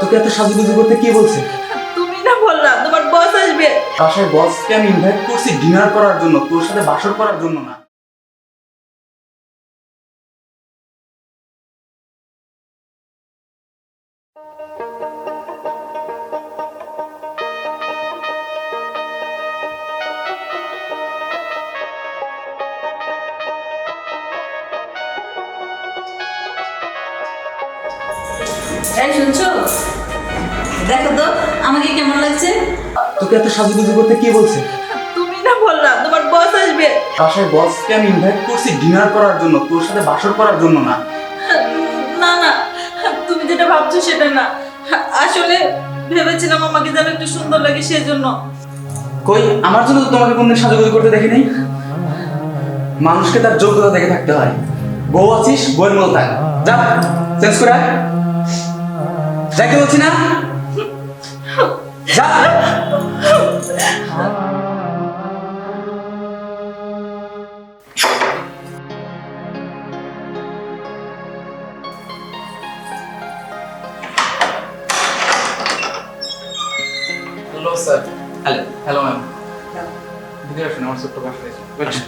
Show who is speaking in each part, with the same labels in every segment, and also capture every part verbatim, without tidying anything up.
Speaker 1: তোকে এত সাজুগুজু করতে কে বলছে?
Speaker 2: তুমি না বললা তোমার বস আসবে।
Speaker 1: বাসায় বসকে আমি ইনভাইট করছি ডিনার করার জন্য, তোর সাথে বাসর করার জন্য না।
Speaker 2: এই শুনছো, দেখো তো আমাকে কেমন লাগছে।
Speaker 1: তোকে এত সাজুগুজু করতে কে বলছে?
Speaker 2: তুমি না বললা তোমার বস আসবে।
Speaker 1: বাসায় বসকে আমি ইনভাইট করছি ডিনার করার জন্য, তোর সাথে বাসর করার জন্য না।
Speaker 2: না না, তুমি যেটা ভাবছো সেটা না। আসলে ভেবেছিলাম আমাকে যেন একটু সুন্দর লাগে সেজন্য।
Speaker 1: কই, আমার জন্য তো তোমাকে কোনদিন সাজুগুজু করতে দেখি নাই। মানুষকে তার যোগ্যতা দেখে থাকতে হয়। বউ আছিস, বউয়ের মতো থাক। যা চেঞ্জ করে আয়। যাইতে বলছি না, যা। Hello sir. Hello hello ma'am. ভিতরে আসুন, আমার ছোট্ট বাসায় আসুন।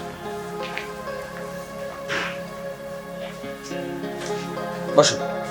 Speaker 3: বসো।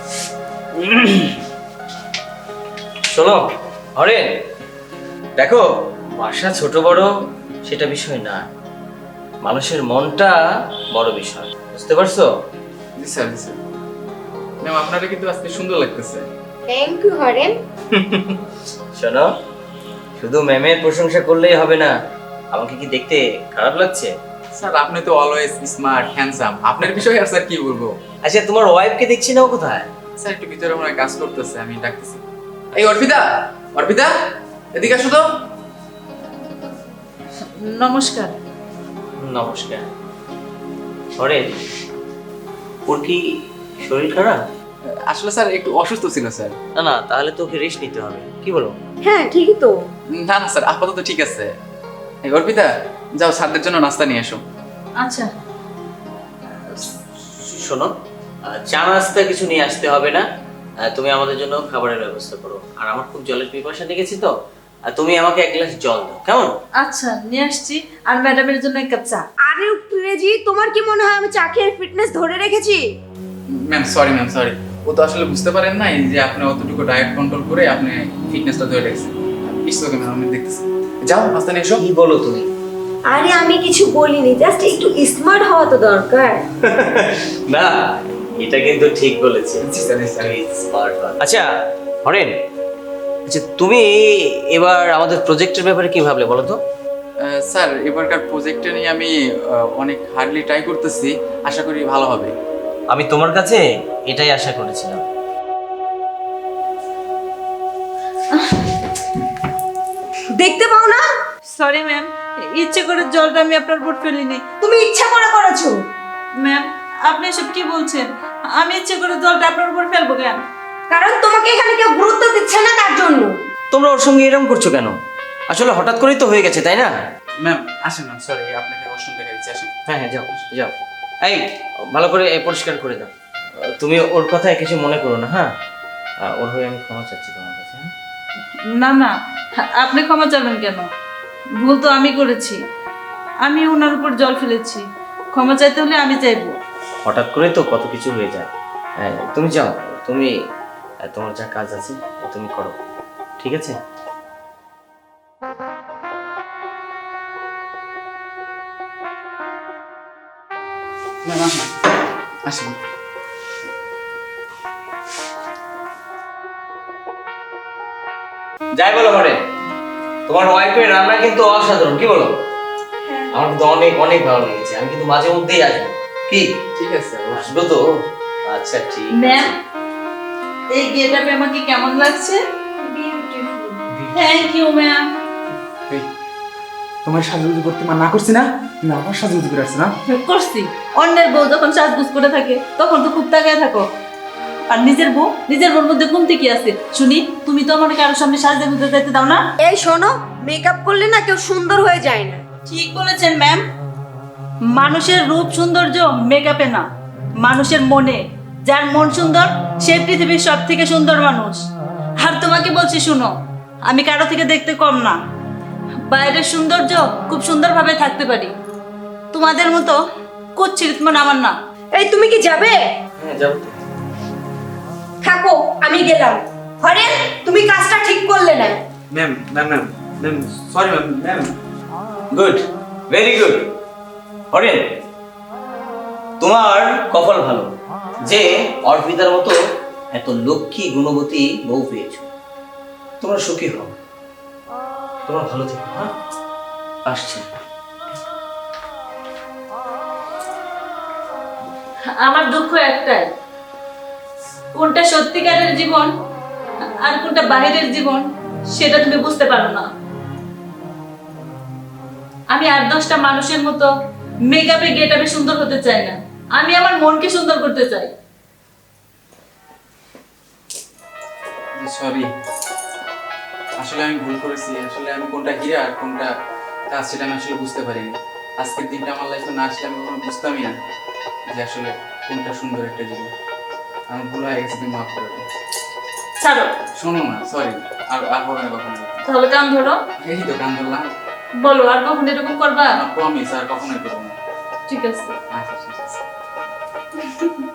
Speaker 3: শোনো হরেন, দেখো বাসা ছোট বড় সেটা বিষয় না, মানুষের মনটা বড় বিষয়, বুঝতে পারছো?
Speaker 1: জি স্যার, জি স্যার। ম্যাম আপনারা কিন্তু আজকে সুন্দর লাগতেছে।
Speaker 4: Thank you Horen.
Speaker 3: শোনো, শুধু ম্যামের প্রশংসা করলেই হবে না, আমাকে কি দেখতে খারাপ লাগছে?
Speaker 1: স্যার আপনি তো অলওয়েজ স্মার্ট হ্যান্ডসাম, আপনার বিষয়ে আর স্যার কি বলবো।
Speaker 3: আচ্ছা তোমার ওয়াইফকে দেখছি না, ও কোথায়?
Speaker 1: স্যার একটু ভিতরে মনে হয় কাজ করতেছে, আমি ডাকতেছি। এই অর্পিতা, অর্পিতা এদিকে আসো তো।
Speaker 2: নমস্কার।
Speaker 3: নমস্কার। হরেন, ওর কি শরীর খারাপ?
Speaker 1: আসলে স্যার একটু অসুস্থ ছিল স্যার।
Speaker 3: না না, তাহলে তো ওকে রেস্ট নিতে হবে, কি বলো?
Speaker 4: হ্যাঁ ঠিকই তো।
Speaker 1: না না স্যার, আপাতত ঠিক আছে। এই অর্পিতা যাও স্যারদের জন্য নাস্তা নিয়ে এসো।
Speaker 2: আচ্ছা
Speaker 3: শোনো, আহ, চা নাস্তা কিছু নিয়ে আসতে হবে না, আহ, তুমি আমাদের জন্য খাবারের ব্যবস্থা করো। আর আমার খুব জলের পিপাসা লেগেছে তো, আর তুমি আমাকে এক গ্লাস জল দাও, কেমন?
Speaker 2: আচ্ছা নিয়ে আসছি। আর ম্যাডামের জন্য এক কাপ চা।
Speaker 4: আরে প্রেজি, তোমার কি মনে হয় আমি চা খেয়ে ফিটনেস ধরে রেখেছি?
Speaker 1: ম্যাম সরি ম্যাম সরি, ও তো আসলে বুঝতে পারেন নাই যে আপনি অতটুকু ডায়েট কন্ট্রোল করে আপনি ফিটনেসটা ধরে রেখেছেন। ইটস ওকে ম্যাম, আমি দেখতেছি। যাও নাস্তা নিয়ে এসো।
Speaker 3: কি বলো তুমি?
Speaker 4: আরে আমি কিছু বলিনি, জাস্ট একটু স্মার্ট হওয়া তো দরকার।
Speaker 3: না, এটা কিন্তু ঠিক বলেছে।
Speaker 1: জি স্যার, জি স্যার।
Speaker 3: আচ্ছা হরেন, আচ্ছা তুমি এবার আমাদের প্রজেক্টের ব্যাপারে কি ভাবলে বলো তো?
Speaker 1: আহ, স্যার এবারকার প্রজেক্টটা নিয়ে আমি আহ, অনেক হার্ডলি ট্রাই করতেছি, আশা করি ভালো হবে।
Speaker 3: আমি তোমার কাছে এটাই আশা করেছিলাম।
Speaker 4: দেখতে পাও না,
Speaker 2: সরি ম্যাম, ইচ্ছে করে জলটা আমি আপনার উপর ফেলিনি।
Speaker 4: তুমি ইচ্ছা করে করেছো।
Speaker 2: ম্যাম আপনি এসব কি বলছেন? আমি ইচ্ছে করে জলটা আপনার উপর ফেলবো কেন?
Speaker 4: কারণ তোমাকে এখানে কেউ গুরুত্ব দিচ্ছে না, তার জন্য।
Speaker 3: তোমরা ওর সঙ্গে এরকম করছো কেন? আসলে হঠাৎ করেই তো হয়ে গেছে, তাই না?
Speaker 1: ম্যাম আসেন ম্যাম, সরি আপনাকে ওয়াশরুম দেখা দিচ্ছি, আসেন।
Speaker 3: হ্যাঁ হ্যাঁ, যাও যাও। এই ভালো করে এ পরিষ্কার করে দাও। তুমি ওর কথায় কিছু মনে করো না, হ্যাঁ? আহ, ওর হয়ে আমি ক্ষমা চাচ্ছি তোমার কাছে, হ্যাঁ?
Speaker 2: না না, আপনি ক্ষমা চাবেন কেন? ভুল তো আমি করেছি, আমি ওনার উপর জল ফেলেছি। ক্ষমা চাইতে হলে আমি চাইবো।
Speaker 3: হঠাৎ করে তো কত কিছু হয়ে যায়। হ্যাঁ, তুমি যাও, তুমি আহ, তোমার যা কাজ আছে তুমি করো, ঠিক আছে?
Speaker 1: ম্যাম আসেন, আসেন।
Speaker 3: যাই বলো ঘরে, তোমার ওয়াইফের রান্না কিন্তু অসাধারণ, কি বলো? আমার কিন্তু অনেক অনেক ভালো লেগেছে, আমি কিন্তু মাঝে মধ্যেই আসবো। কি
Speaker 1: ঠিক আছে,
Speaker 3: আসবো তো? আচ্ছা ঠিক
Speaker 2: ম্যাম,
Speaker 3: আছে।
Speaker 2: এই গেটআপে আমাকে কেমন লাগছে? Thank you ma'am.
Speaker 1: এই, তোমার সাজুগুজু করতে না করছি না, তুমি আবার সাজুগুজু করে আসছো না।
Speaker 2: করছি। অন্যের বউ যখন সাজগুজ করে থাকে তখন তো খুব তাকায় থাকো, আর নিজের বউ নিজের বউর মধ্যে কমতি কি আছে শুনি? তুমি তো আমাকে কারোর সামনে সাজতে গুজতে যাইতে দাও না।
Speaker 4: এই শোনো, মেকআপ করলে না কেউ সুন্দর হয়ে যায় না।
Speaker 2: ঠিক বলেছেন ম্যাম, মানুষের রূপ সৌন্দর্য মেকআপে না, মানুষের মনে। যার মন সুন্দর সে পৃথিবীর সব থেকে সুন্দর মানুষ। আর তোমাকে বলছি শুনো, আমি কারো থেকে দেখতে কম না। বাইরের সৌন্দর্য খুব সুন্দরভাবে থাকতে পারি, তোমাদের মতো কুচ্ছিত মন আমার না।
Speaker 4: এই তুমি কি যাবে?
Speaker 3: হ্যাঁ যাবো তো।
Speaker 4: থাকো, আমি গেলাম। হরেন, তুমি কাজটা ঠিক করলে না।
Speaker 1: Ma'am ma'am ma'am ma'am sorry ma'am ma'am
Speaker 3: good, very good. Horen, তোমার কপাল ভালো যে অর্পিতার মতো এত লক্ষ্মী গুণবতী বউ পেয়েছো। তোমরা সুখী হও, তোমরা ভালো থেকো। হ্যাঁ, আসছি।
Speaker 2: আমার দুঃখ একটাই, কোনটা সত্যিকারের জীবন আর কোনটা বাইরের জীবন সেটা তুমি বুঝতে পারো না। আমি আট দশটা মানুষের মতো মেকআপে গেটআপে সুন্দর হতে চাই না, আমি আমার মনকে সুন্দর করতে চাই।
Speaker 1: সরি, আসলে আমি ভুল করেছি। আসলে আমি কোনটা হীরা আর কোনটা কাজ সেটা আমি আসলে বুঝতে পারিনি। আজকের দিনটা আমার লাইফে না আসলে আমি কখনো বুঝতামই না যে আসলে কোনটা সুন্দর একটা জীবন। আমার ভুল হয়ে গেছে, তুমি মাফ করে দাও।
Speaker 2: ছাড়ো,
Speaker 1: শোনো না, সরি, আর আর হবে না কখনো।
Speaker 2: তাহলে কান ধরো,
Speaker 1: এই তো কান ধরলাম।
Speaker 2: বলো আর কখন এরকম করবা?
Speaker 1: প্রমিস আর কখনোই করবো না।
Speaker 2: ঠিক আছে।
Speaker 1: আচ্ছা ঠিক আছে।